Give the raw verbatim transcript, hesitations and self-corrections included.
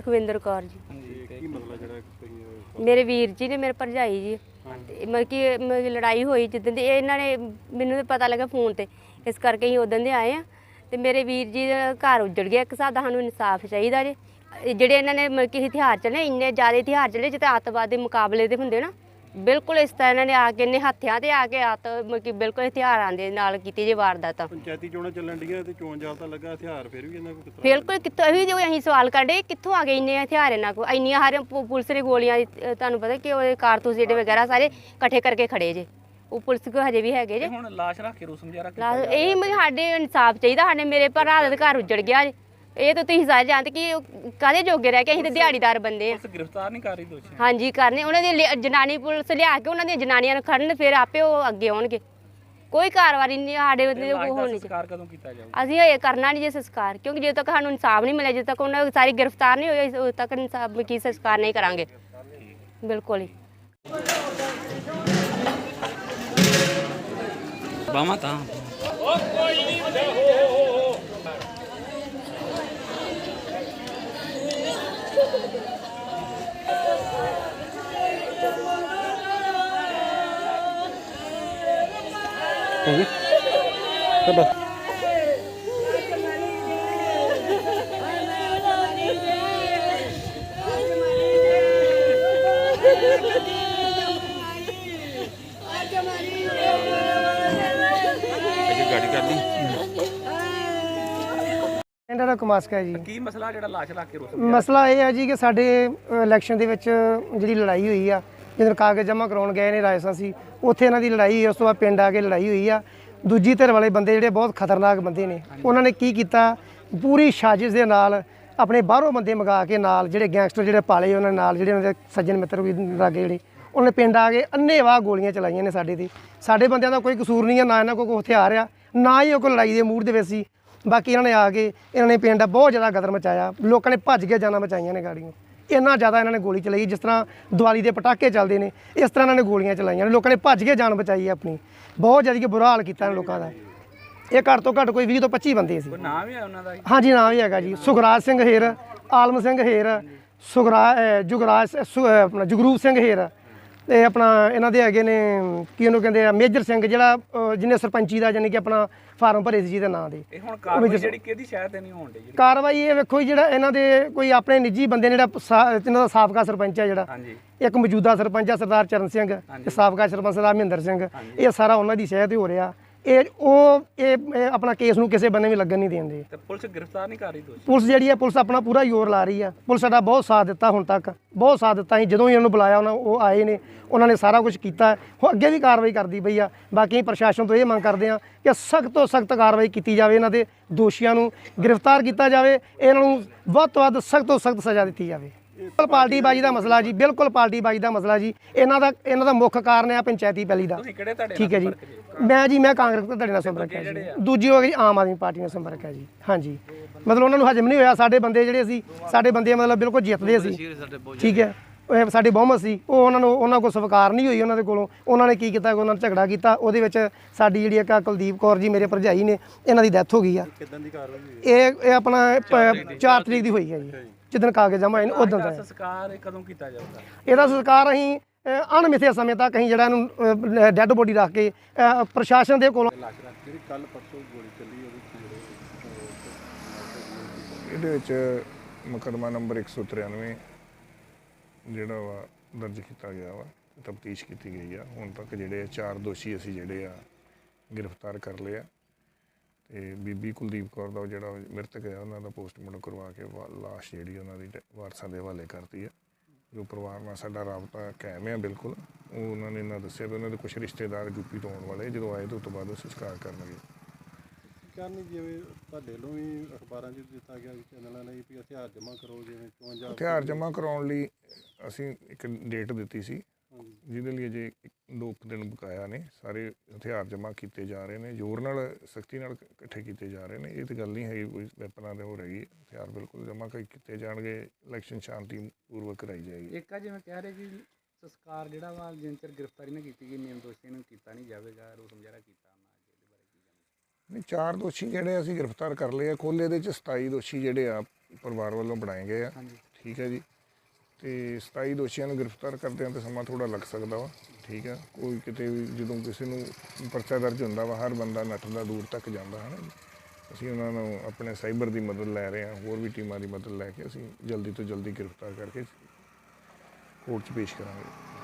ਸੁਖਵਿੰਦਰ ਕੌਰ ਜੀ। ਮੇਰੇ ਵੀਰ ਜੀ ਨੇ, ਮੇਰੇ ਭਰਜਾਈ ਜੀ। ਮਤਲਬ ਕਿ ਮਤਲਬ ਕਿ ਲੜਾਈ ਹੋਈ ਜਿੱਦਣ ਦੀ, ਇਹਨਾਂ ਨੇ ਮੈਨੂੰ ਪਤਾ ਲੱਗਾ ਫੋਨ ਤੇ, ਇਸ ਕਰਕੇ ਅਸੀਂ ਉਦੋਂ ਦੇ ਆਏ ਆ। ਤੇ ਮੇਰੇ ਵੀਰ ਜੀ ਦਾ ਘਰ ਉੱਜੜ ਗਿਆ। ਇੱਕ ਹਿਸਾਬ ਦਾ ਸਾਨੂੰ ਇਨਸਾਫ ਚਾਹੀਦਾ ਜੇ। ਜਿਹੜੇ ਇਹਨਾਂ ਨੇ ਮਤਲਬ ਕਿ ਹਥਿਆਰ ਚੱਲੇ, ਇੰਨੇ ਜ਼ਿਆਦਾ ਹਥਿਆਰ ਚੱਲੇ ਜਿੱਤੇ ਅੱਤਵਾਦ ਦੇ ਮੁਕਾਬਲੇ ਦੇ ਹੁੰਦੇ ਨਾ, ਬਿਲਕੁਲ ਇਸ ਤਰ੍ਹਾਂ ਇਹਨਾਂ ਨੇ ਆ ਕੇ ਇੰਨੇ ਹੱਥਿਆਂ ਤੇ ਆ ਕੇ ਅੱਤ ਮਤਲਬ ਕਿ ਬਿਲਕੁਲ ਹਥਿਆਰਾਂ ਦੇ ਨਾਲ ਕੀਤੀ ਜੇ ਵਾਰਦਾਤਾਂ। ਪੰਚਾਇਤੀ ਚੋਣਾਂ ਚੱਲਣ ਡੀਆਂ ਤੇ ਚੋਣ ਜਾਬਤਾ ਲੱਗਾ, ਹਥਿਆਰ ਫਿਰ ਵੀ ਇਹਨਾਂ ਕੋਲ ਕਿੱਥੋਂ? ਬਿਲਕੁਲ ਕਿੱਥੋਂ, ਇਹੀ ਜੋ ਅਸੀਂ ਸਵਾਲ ਕਰਦੇ ਕਿੱਥੋਂ ਆ ਗਏ ਇੰਨੇ ਹਥਿਆਰ ਇਹਨਾਂ ਕੋਲ? ਇੰਨੀਆਂ ਹਰ ਪੁਲਿਸ ਦੇ ਗੋਲੀਆਂ, ਤੁਹਾਨੂੰ ਪਤਾ ਕਿ ਉਹ ਕਾਰਤੂਸ ਜਿਹੜੇ ਵਗੈਰਾ ਸਾਰੇ ਇਕੱਠੇ ਕਰਕੇ ਖੜੇ ਜੇ। ਉਹ ਪੁਲਿਸ ਕੋ ਹਜੇ ਵੀ ਹੈਗੇ ਜੇ। ਹੁਣ ਲਾਸ਼ ਰੱਖ ਕੇ ਰੋਸ ਮੁਜ਼ਾਹਰਾ ਕੀਤਾ ਜਾ ਰਿਹਾ। ਇਹੀ ਮਤਲਬ ਸਾਡੇ ਇਨਸਾਫ ਚਾਹੀਦਾ। ਸਾਡੇ ਮੇਰੇ ਭਰਾ ਦਾ ਘਰ ਉੱਜੜ ਗਿਆ ਜੇ। ਇਹ ਤਾਂ ਤੁਸੀਂ ਸਾਰੇ ਜਾਣਦੇ ਕਿ ਕਾਹਦੇ ਜੋਗੇ ਰਹਿ ਕੇ, ਅਸੀਂ ਤਾਂ ਦਿਹਾੜੀਦਾਰ ਬੰਦੇ ਆ। ਪੁਲਿਸ ਗ੍ਰਿਫਤਾਰ ਨਹੀਂ ਕਰ ਰਹੀ ਦੋਸ਼ੀ? ਹਾਂਜੀ ਕਰਨੇ, ਉਹਨਾਂ ਦੀ ਜਨਾਨੀ ਪੁਲਿਸ ਲਿਆ ਕੇ ਉਹਨਾਂ ਦੀਆਂ ਜਨਾਨੀਆਂ ਨੂੰ ਖੜਨ, ਫਿਰ ਆਪੇ ਉਹ ਅੱਗੇ ਆਉਣਗੇ। ਕੋਈ ਕਾਰਵਾਈ ਨਹੀਂ ਸਾਡੇ ਬੰਦੇ ਕੋਲ ਹੋਣੀ। ਸੰਸਕਾਰ ਕਦੋਂ ਕੀਤਾ ਜਾਊਗਾ? ਅਸੀਂ ਇਹ ਕਰਨਾ ਨਹੀਂ ਜੇ ਸੰਸਕਾਰ, ਕਿਉਂਕਿ ਜਦੋਂ ਤੱਕ ਸਾਨੂੰ ਇਨਸਾਫ ਨਹੀਂ ਮਿਲਿਆ, ਜਦੋਂ ਤੱਕ ਉਹਨਾਂ ਸਾਰੀ ਗ੍ਰਿਫਤਾਰ ਨਹੀਂ ਹੋਈ, ਉਦੋਂ ਤੱਕ ਇਨਸਾਫ ਕੀ ਸੰਸਕਾਰ ਨਹੀਂ ਕਰਾਂਗੇ। ਬਿਲਕੁਲ ਹੀ ਬਾਵਾ ਤਾਂ ਹੋ ਗਈ ਤਾਂ ਬਸ। ਗਾੜੀ ਕਰ ਲਈ। ਇਹਨਾਂ ਦਾ ਕਮਾਸਕਾ ਜੀ। ਕੀ ਮਸਲਾ ਜਿਹੜਾ ਲਾਸ਼ ਰੱਖ ਕੇ ਰੋਸ? ਮਸਲਾ ਇਹ ਹੈ ਜੀ ਕਿ ਸਾਡੇ ਇਲੈਕਸ਼ਨ ਦੇ ਵਿੱਚ ਜਿਹੜੀ ਲੜਾਈ ਹੋਈ ਆ, ਜਦੋਂ ਕਾਗਜ਼ ਜਮ੍ਹਾਂ ਕਰਾਉਣ ਗਏ ਨੇ ਰਾਜਸਥਾਨ ਸੀ, ਉੱਥੇ ਇਹਨਾਂ ਦੀ ਲੜਾਈ ਹੋਈ। ਉਸ ਤੋਂ ਬਾਅਦ ਪਿੰਡ ਆ ਕੇ ਲੜਾਈ ਹੋਈ ਆ। ਦੂਜੀ ਧਿਰ ਵਾਲੇ ਬੰਦੇ ਜਿਹੜੇ ਬਹੁਤ ਖਤਰਨਾਕ ਬੰਦੇ ਨੇ, ਉਹਨਾਂ ਨੇ ਕੀ ਕੀਤਾ, ਪੂਰੀ ਸਾਜ਼ਿਸ਼ ਦੇ ਨਾਲ ਆਪਣੇ ਬਾਹਰੋਂ ਬੰਦੇ ਮੰਗਾ ਕੇ ਨਾਲ ਜਿਹੜੇ ਗੈਂਗਸਟਰ ਜਿਹੜੇ ਪਾਲੇ ਉਹਨਾਂ ਨਾਲ, ਜਿਹੜੇ ਉਹਨਾਂ ਦੇ ਸੱਜਣ ਮਿੱਤਰ ਵੀ ਲਾਗੇ ਜਿਹੜੇ, ਉਹਨੇ ਪਿੰਡ ਆ ਕੇ ਅੰਨ੍ਹੇਵਾਹ ਗੋਲੀਆਂ ਚਲਾਈਆਂ ਨੇ ਸਾਡੇ 'ਤੇ। ਸਾਡੇ ਬੰਦਿਆਂ ਦਾ ਕੋਈ ਕਸੂਰ ਨਹੀਂ ਆ, ਨਾ ਇਹਨਾਂ ਕੋਲ ਕੋਈ ਹਥਿਆਰ ਆ, ਨਾ ਹੀ ਉਹ ਕੋਈ ਲੜਾਈ ਦੇ ਮੂਡ ਦੇ ਵਿੱਚ ਸੀ। ਬਾਕੀ ਇਹਨਾਂ ਨੇ ਆ ਕੇ ਇਹਨਾਂ ਨੇ ਪਿੰਡ ਦਾ ਬਹੁਤ ਜ਼ਿਆਦਾ ਗਦਰ ਮਚਾਇਆ। ਲੋਕਾਂ ਨੇ ਭੱਜ ਕੇ ਜਾਨਾਂ ਬਚਾਈਆਂ ਨੇ ਗਾੜੀਆਂ। ਇੰਨਾ ਜ਼ਿਆਦਾ ਇਹਨਾਂ ਨੇ ਗੋਲੀ ਚਲਾਈ, ਜਿਸ ਤਰ੍ਹਾਂ ਦੀਵਾਲੀ ਦੇ ਪਟਾਕੇ ਚੱਲਦੇ ਨੇ ਇਸ ਤਰ੍ਹਾਂ ਇਹਨਾਂ ਨੇ ਗੋਲੀਆਂ ਚਲਾਈਆਂ ਨੇ। ਲੋਕਾਂ ਨੇ ਭੱਜ ਕੇ ਜਾਨ ਬਚਾਈ ਆਪਣੀ। ਬਹੁਤ ਜ਼ਿਆਦਾ ਕਿ ਬੁਰਾ ਹਾਲ ਕੀਤਾ ਇਹਨਾਂ ਲੋਕਾਂ ਦਾ। ਇਹ ਘੱਟ ਤੋਂ ਘੱਟ ਕੋਈ ਵੀਹ ਤੋਂ ਪੱਚੀ ਬੰਦੇ ਸੀ। ਨਾਮ ਵੀ ਹੈ ਉਹਨਾਂ ਦਾ? ਹਾਂਜੀ ਨਾਮ ਵੀ ਹੈਗਾ ਜੀ। ਸੁਖਰਾਜ ਸਿੰਘ ਹੇਰ, ਆਲਮ ਸਿੰਘ ਹੇਰ, ਸੁਖਰਾ ਜੁਗਰਾਜ ਆਪਣਾ ਜਗਰੂਪ ਸਿੰਘ ਹੇਰ, ਤੇ ਆਪਣਾ ਇਹਨਾਂ ਦੇ ਹੈਗੇ ਨੇ ਕੀ ਉਹਨੂੰ ਕਹਿੰਦੇ ਆ ਮੇਜਰ ਸਿੰਘ, ਜਿਹੜਾ ਜਿਹਨੇ ਸਰਪੰਚੀ ਦਾ ਯਾਨੀ ਕਿ ਆਪਣਾ ਫਾਰਮ ਭਰੇ ਸੀ ਜਿਹਦੇ ਨਾਂ ਦੇ। ਇਹ ਹੁਣ ਕਾਰਵਾਈ ਜਿਹੜੀ ਕਿਹਦੀ ਸ਼ਾਇਦ ਤੇ ਨਹੀਂ ਹੋਣ ਡਈ? ਕਾਰਵਾਈ ਇਹ ਵੇਖੋ ਜਿਹੜਾ ਇਹਨਾਂ ਦੇ ਕੋਈ ਆਪਣੇ ਨਿੱਜੀ ਬੰਦੇ ਨੇ, ਜਿਹੜਾ ਇਹਨਾਂ ਦਾ ਸਾਬਕਾ ਸਰਪੰਚ ਹੈ, ਜਿਹੜਾ ਇੱਕ ਮੌਜੂਦਾ ਸਰਪੰਚ ਆ ਸਰਦਾਰ ਚਰਨ ਸਿੰਘ, ਤੇ ਸਾਬਕਾ ਸਰਪੰਚ ਸਰਦਾਰ ਮਹਿੰਦਰ ਸਿੰਘ, ਇਹ ਸਾਰਾ ਉਹਨਾਂ ਦੀ ਸ਼ਹਿ ਤੇ ਹੋ ਰਿਹਾ। ਇਹ ਉਹ ਇਹ ਆਪਣਾ ਕੇਸ ਨੂੰ ਕਿਸੇ ਬੰਨੇ ਵੀ ਲੱਗਣ ਨਹੀਂ ਦੇਂਦੇ। ਤੇ ਪੁਲਿਸ ਗ੍ਰਿਫਤਾਰ ਨਹੀਂ ਕਰ ਰਹੀ ਦੋਸ਼ੀ? ਪੁਲਿਸ ਜਿਹੜੀ ਹੈ, ਪੁਲਿਸ ਆਪਣਾ ਪੂਰਾ ਜ਼ੋਰ ਲਾ ਰਹੀ ਆ। ਪੁਲਿਸ ਸਾਡਾ ਬਹੁਤ ਸਾਥ ਦਿੱਤਾ, ਹੁਣ ਤੱਕ ਬਹੁਤ ਸਾਥ ਦਿੱਤਾ। ਅਸੀਂ ਜਦੋਂ ਹੀ ਉਹਨੂੰ ਬੁਲਾਇਆ, ਉਹਨਾਂ ਉਹ ਆਏ ਨੇ, ਉਹਨਾਂ ਨੇ ਸਾਰਾ ਕੁਝ ਕੀਤਾ। ਉਹ ਅੱਗੇ ਵੀ ਕਾਰਵਾਈ ਕਰਦੀ ਪਈ ਆ। ਬਾਕੀ ਪ੍ਰਸ਼ਾਸਨ ਤੋਂ ਇਹ ਮੰਗ ਕਰਦੇ ਆ ਕਿ ਸਖਤ ਤੋਂ ਸਖਤ ਕਾਰਵਾਈ ਕੀਤੀ ਜਾਵੇ, ਇਹਨਾਂ ਦੇ ਦੋਸ਼ੀਆਂ ਨੂੰ ਗ੍ਰਿਫਤਾਰ ਕੀਤਾ ਜਾਵੇ, ਇਹਨਾਂ ਨੂੰ ਵੱਧ ਤੋਂ ਵੱਧ ਸਖਤ ਤੋਂ ਸਖਤ ਸਜ਼ਾ ਦਿੱਤੀ ਜਾਵੇ। ਬਿਲਕੁਲ ਪਾਰਟੀ ਬਾਜੀ ਦਾ ਮਸਲਾ ਜੀ, ਬਿਲਕੁਲ ਪਾਰਟੀ ਬਾਜੀ ਦਾ ਮਸਲਾ ਜੀ। ਇਹਨਾਂ ਦਾ ਇਹਨਾਂ ਦਾ ਮੁੱਖ ਕਾਰਨ ਹੈ ਪੰਚਾਇਤੀ ਪੈਲੀ ਦਾ। ਠੀਕ ਹੈ ਜੀ। ਮੈਂ ਜੀ ਮੈਂ ਕਾਂਗਰਸ ਤੋਂ ਤੁਹਾਡੇ ਨਾਲ ਸੰਪਰਕ ਹੈ ਜੀ। ਦੂਜੀ ਹੋ ਗਈ ਆਮ ਆਦਮੀ ਪਾਰਟੀ ਨਾਲ ਸੰਪਰਕ ਹੈ ਜੀ। ਹਾਂਜੀ, ਮਤਲਬ ਉਹਨਾਂ ਨੂੰ ਹਜਮ ਨਹੀਂ ਹੋਇਆ। ਸਾਡੇ ਬੰਦੇ ਜਿਹੜੇ ਸੀ, ਸਾਡੇ ਬੰਦੇ ਮਤਲਬ ਬਿਲਕੁਲ ਜਿੱਤਦੇ ਸੀ। ਠੀਕ ਹੈ, ਉਹ ਸਾਡੇ ਬਹੁਮਤ ਸੀ। ਉਹ ਉਹਨਾਂ ਨੂੰ ਉਹਨਾਂ ਕੋਲ ਸਵੀਕਾਰ ਨਹੀਂ ਹੋਈ ਉਹਨਾਂ ਦੇ ਕੋਲੋਂ। ਉਹਨਾਂ ਨੇ ਕੀ ਕੀਤਾ, ਉਹਨਾਂ ਨੇ ਝਗੜਾ ਕੀਤਾ। ਉਹਦੇ ਵਿੱਚ ਸਾਡੀ ਜਿਹੜੀ ਇੱਕ ਕੁਲਦੀਪ ਕੌਰ ਜੀ ਮੇਰੇ ਭਰਜਾਈ ਨੇ, ਇਹਨਾਂ ਦੀ ਡੈਥ ਹੋ ਗਈ ਆ। ਇਹ ਇਹ ਆਪਣਾ ਚਾਰ ਤਰੀਕ ਦੀ ਹੋਈ ਹੈ ਜੀ, ਜਿੱਦਣ ਕਾਗਜ਼ ਜਮ੍ਹਾਂ ਹੋਏ ਨੇ ਉਦੋਂ ਦਾ। ਸੰਸਕਾਰ ਕਦੋਂ ਕੀਤਾ ਜਾਊਗਾ? ਇਹਦਾ ਸੰਸਕਾਰ ਅਸੀਂ ਅਣਮਿੱਥੇ ਸਮੇਂ ਤੱਕ ਅਸੀਂ ਜਿਹੜਾ ਇਹਨੂੰ ਡੈੱਡ ਬੋਡੀ ਰੱਖ ਕੇ ਪ੍ਰਸ਼ਾਸਨ ਦੇ ਕੋਲੋਂ। ਇਹਦੇ ਵਿੱਚ ਮੁਕੱਦਮਾ ਨੰਬਰ ਇੱਕ ਸੌ ਤਰਾਨਵੇਂ ਜਿਹੜਾ ਵਾ ਦਰਜ ਕੀਤਾ ਗਿਆ ਵਾ, ਤਫਤੀਸ਼ ਕੀਤੀ ਗਈ ਆ। ਹੁਣ ਤੱਕ ਜਿਹੜੇ ਚਾਰ ਦੋਸ਼ੀ ਅਸੀਂ ਜਿਹੜੇ ਆ ਗ੍ਰਿਫਤਾਰ ਕਰ ਲਏ ਆ। ਤੇ ਬੀਬੀ ਕੁਲਦੀਪ ਕੌਰ ਦਾ ਜਿਹੜਾ ਮ੍ਰਿਤਕ ਹੈ, ਉਹਨਾਂ ਦਾ ਪੋਸਟਮਾਰਟਮ ਕਰਵਾ ਕੇ ਲਾਸ਼ ਜਿਹੜੀ ਉਹਨਾਂ ਦੀ ਵਾਰਸਾਂ ਦੇ ਹਵਾਲੇ ਕਰਤੀ ਹੈ। ਜੋ ਪਰਿਵਾਰ ਨਾਲ ਸਾਡਾ ਰਾਬਤਾ ਕਾਇਮ ਹੈ ਬਿਲਕੁਲ। ਉਹ ਉਹਨਾਂ ਨੇ ਇਹਨਾਂ ਦੱਸਿਆ ਵੀ ਉਹਨਾਂ ਦੇ ਕੁਛ ਰਿਸ਼ਤੇਦਾਰ ਯੂਪੀ ਤੋਂ ਆਉਣ ਵਾਲੇ, ਜਦੋਂ ਆਏ ਤਾਂ ਉਸ ਤੋਂ ਬਾਅਦ ਉਹ ਸੰਸਕਾਰ ਕਰਨਗੇ। ਕਰਨੀ ਜਿਵੇਂ ਤੁਹਾਡੇ ਵੱਲੋਂ ਵੀ ਅਖਬਾਰਾਂ 'ਚ ਦਿੱਤਾ ਗਿਆ ਚੈਨਲਾਂ ਨੇ ਵੀ ਹਥਿਆਰ ਜਮ੍ਹਾਂ ਕਰੋ, ਜਿਵੇਂ ਚੋਣ ਜਾਬਤਾ ਹਥਿਆਰ ਜਮ੍ਹਾਂ ਕਰਾਉਣ ਲਈ ਅਸੀਂ ਇੱਕ ਡੇਟ ਦਿੱਤੀ ਸੀ, ਜਿਹਦੇ ਲਈ ਅਜੇ ਦੋ ਕੁ ਦਿਨ ਬਕਾਇਆ ਨੇ। ਸਾਰੇ ਹਥਿਆਰ ਜਮ੍ਹਾਂ ਕੀਤੇ ਜਾ ਰਹੇ ਨੇ, ਜ਼ੋਰ ਨਾਲ ਸਖਤੀ ਨਾਲ ਇਕੱਠੇ ਕੀਤੇ ਜਾ ਰਹੇ ਨੇ। ਇਹ ਤਾਂ ਗੱਲ ਨਹੀਂ ਹੈਗੀ ਕੋਈ ਵੈਪਨਾਂ ਦੇ ਹੋ ਰਹੀ। ਹਥਿਆਰ ਬਿਲਕੁਲ ਜਮ੍ਹਾਂ ਕੀਤੇ ਜਾਣਗੇ। ਇਲੈਕਸ਼ਨ ਸ਼ਾਂਤੀ ਪੂਰਵਕ ਕਰਾਈ ਜਾਏਗੀ। ਇੱਕ ਆ ਜਿਵੇਂ ਕਹਿ ਰਹੇ ਕਿ ਸੰਸਕਾਰ ਜਿਹੜਾ ਵਾ ਜਿੰਨ ਚਿਰ ਗ੍ਰਿਫਤਾਰੀ ਨਾ ਕੀਤੀ ਗਈ, ਨਿਯਮ ਦੋਸ਼ੀ ਨੂੰ ਕੀਤਾ ਨਹੀਂ ਜਾਵੇਗਾ, ਰੋਸ ਮੁਜ਼ਾਹਰਾ ਕੀਤਾ ਨਹੀਂ। ਚਾਰ ਦੋਸ਼ੀ ਜਿਹੜੇ ਅਸੀਂ ਗ੍ਰਿਫਤਾਰ ਕਰ ਲਏ ਆ। ਕੁੱਲ ਇਹਦੇ 'ਚ ਸਤਾਈ ਦੋਸ਼ੀ ਜਿਹੜੇ ਆ ਪਰਿਵਾਰ ਵੱਲੋਂ ਬਣਾਏ ਗਏ ਆ। ਠੀਕ ਹੈ ਜੀ। ਤੇ ਸਤਾਈ ਦੋਸ਼ੀਆਂ ਨੂੰ ਗ੍ਰਿਫਤਾਰ ਕਰਦਿਆਂ ਤਾਂ ਸਮਾਂ ਥੋੜਾ ਲੱਗ ਸਕਦਾ ਵਾ, ਠੀਕ ਆ। ਕੋਈ ਕਿਤੇ ਵੀ ਜਦੋਂ ਕਿਸੇ ਨੂੰ ਪਰਚਾ ਦਰਜ ਹੁੰਦਾ ਵਾ, ਹਰ ਬੰਦਾ ਨੱਠਦਾ ਦੂਰ ਤੱਕ ਜਾਂਦਾ ਹੈ ਨਾ ਜੀ। ਅਸੀਂ ਉਹਨਾਂ ਨੂੰ ਆਪਣੇ ਸਾਈਬਰ ਦੀ ਮਦਦ ਲੈ ਰਹੇ ਹਾਂ, ਹੋਰ ਵੀ ਟੀਮਾਂ ਦੀ ਮਦਦ ਲੈ ਕੇ ਅਸੀਂ ਜਲਦੀ ਤੋਂ ਜਲਦੀ ਗ੍ਰਿਫਤਾਰ ਕਰਕੇ ਕੋਰਟ 'ਚ ਪੇਸ਼ ਕਰਾਂਗੇ।